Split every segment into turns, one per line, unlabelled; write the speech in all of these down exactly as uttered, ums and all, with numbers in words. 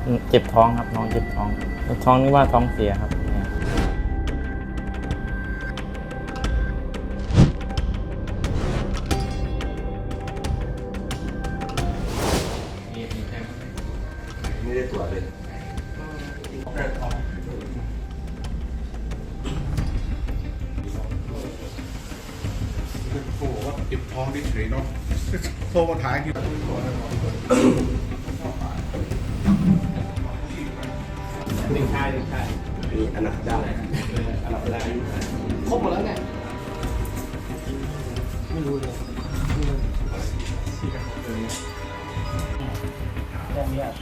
เจ็บท้องครับน้องเจ็บท้องท้องนี่ว่าท้องเสียครับ
ไม่ได้ตรวจเลย
โอ้โหว่าเก็บท้องได้เฉยเนาะโทรมาถ่ายกี่หนึ่งชายหนึ่งชาย
มีอนาคตได้อนาคตได้
ครบหมดแล้วเนี่ยไม่รู้เลย
แจ้งญาติ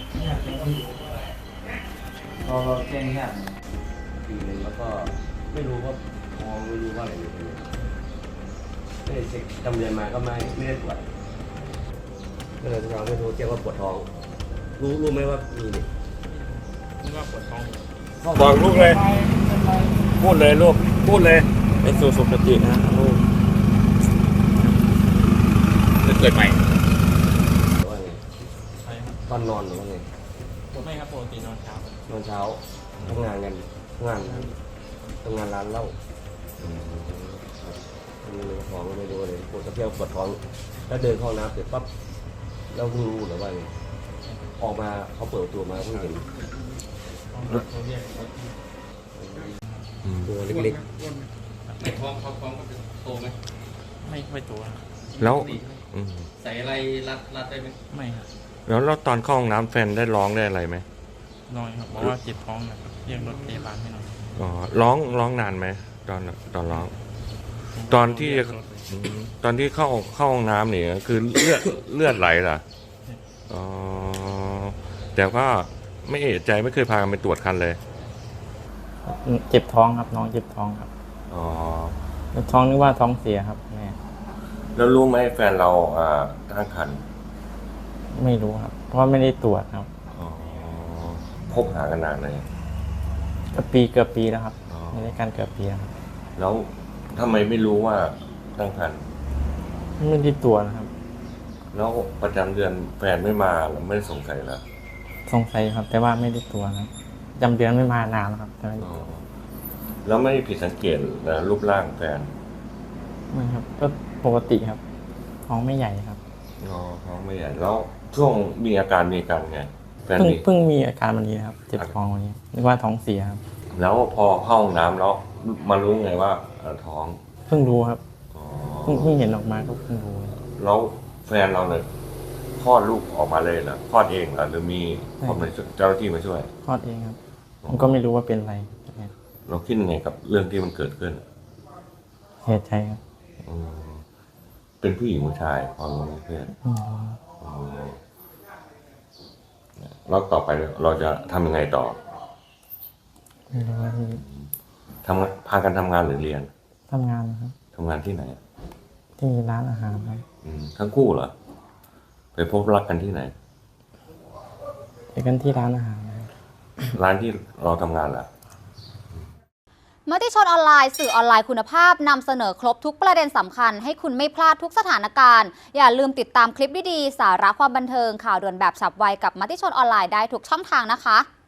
พอแจ้งญาติ
ปีหนึ่งแล้วก็ไม่รู้ว่าท้องไม่รู้ว่าอะไรอยู่ไม่ได้เช็คจำเรียนมาก็ไม่ไม่ได้ตรวจก็เลยเราไม่รู้แจ้งว่าปวดท้องรู้รู้ไหมว่ามีนี่
นี่ว่าปวดท้อง
บอกลูกเลยพูดเลยลูกพูดเลย
ไปสู่สุคตินะลูก
จะเกิดใหม่
หรือว่าไง
ใช่ครับ
ตอนนอนหรือว่าไง
ไม่ครับปกตินอนเช้าน
อนเช้าทำงานกันทำงานทำงานร้านเหล้าไม่รู้ท้องไม่รู้เลยปวดเที่ยวปวดท้องแล้วเดินเข้าน้ำเสร็จปั๊บเราเพิ่งรู้หรือว่าไงออกมาเขาเปิดตัวมาเพิ่งเห็นตัวเล็ก
ในท้องเขาท้องก็เป็นโตไหม
ไม่ค่อยตัว
แล้วอืม
ใส่อะไรรัดรัดได้ไหม
ไม่ครับ
แล้วแล้วตอนเข้าห้องน้ำแฟนได้ร้องได้อะไรไหม
น้อยครับเพราะว่าเจ็บท้องนะครับเรียกรถพยาบาลให้หน่อย
อ๋อร้องร้องนานไหมตอนตอนร้อง ตอนที่อืมตอนที่เข้าเข้าห้องน้ำเนี่ยคือเลือดเลือดไหลเหรออ๋อแต่ก็ไม่เอะใจไม่เคยพากันไปตรวจคันเลย
เจ็บท้องครับน้องเจ็บท้องครับ
อ๋อ
ท้องนี่ว่าท้องเสียครับแม่
แล้วรู้ไหมแฟนเราอ่าตั้งครรภ์
ไม่รู้ครับ เพราะว่าไม่ได้ตรวจครับ
อ๋อคบหากันนานเลย
ก็ปีเกือบปีแล้วครับ
อ๋อ
ในรายการเกือบปีแล้วครับ
แล้วทำไมไม่รู้ว่าตั้งครรภ์
ไม่ได้ตรวจนะครับ
แล้วประจำเดือนแฟนไม่มาเราไม่ได้สงสัยเหรอ
สงสัยครับ แต่ว่าไม่ได้ตรวจครับจำเดือนไม่มานานแล้วครับแต่ไม่
อ๋อแล้วไม่ผิดสังเกตนะรูปร่างแฟน
ไม่ครับ ก็ปกติครับ ท้องไม่ใหญ่ครับ
อ๋อท้องไม่ใหญ่แล้วช่วงมีอาการมีอาการไงแฟน
เพิ่ง
มี
เพิ่งมีอาการวันนี้นะครับ เจ็บท้องวันนี้นึกว่าท้องเสียครับ
แล้วพอเข้าห้องน้ำแล้วมารู้ไงว่าเอ่อท้อง
เพิ่งรู้ครับ
อ๋อ
เพิ่งเพิ่งเห็นออกมาก็เพิ่งรู้
แล้วแฟนเราเนี่ยคลอดลูกออกมาเลยเหรอคลอดเองเหรอหรือมีคนมาช่วยเจ้าหน้าที่มาช่วย
คลอดเองครับผมก็ไม่รู้ว่าเป็นอะไร
เราคิดยังไงกับเรื่องที่มันเกิดขึ้น
เสียใจครับ
อืมเป็นผู้หญิงผู้ชายพอรู้ไหมเพื่อน
อืม
อืมแล้วต่อไปเราจะทำยังไงต่อ
ไม่รู้ว่าที่
ทำพากันทำงานหรือเรียน
ทำงานนะครับ
ทำงานที่ไหน
ที่ร้านอาหารครับ
อืมทั้งคู่เหรอไปพบรักกันที่ไหน
ไปกันที่ร้านอาหารนะครับ
ร้านที่เราทำงานเหรอ
มติชนออนไลน์สื่อออนไลน์คุณภาพนำเสนอครบทุกประเด็นสำคัญให้คุณไม่พลาดทุกสถานการณ์อย่าลืมติดตามคลิปดีๆสาระความบันเทิงข่าวด่วนแบบฉับไวกับมติชนออนไลน์ได้ทุกช่องทางนะคะ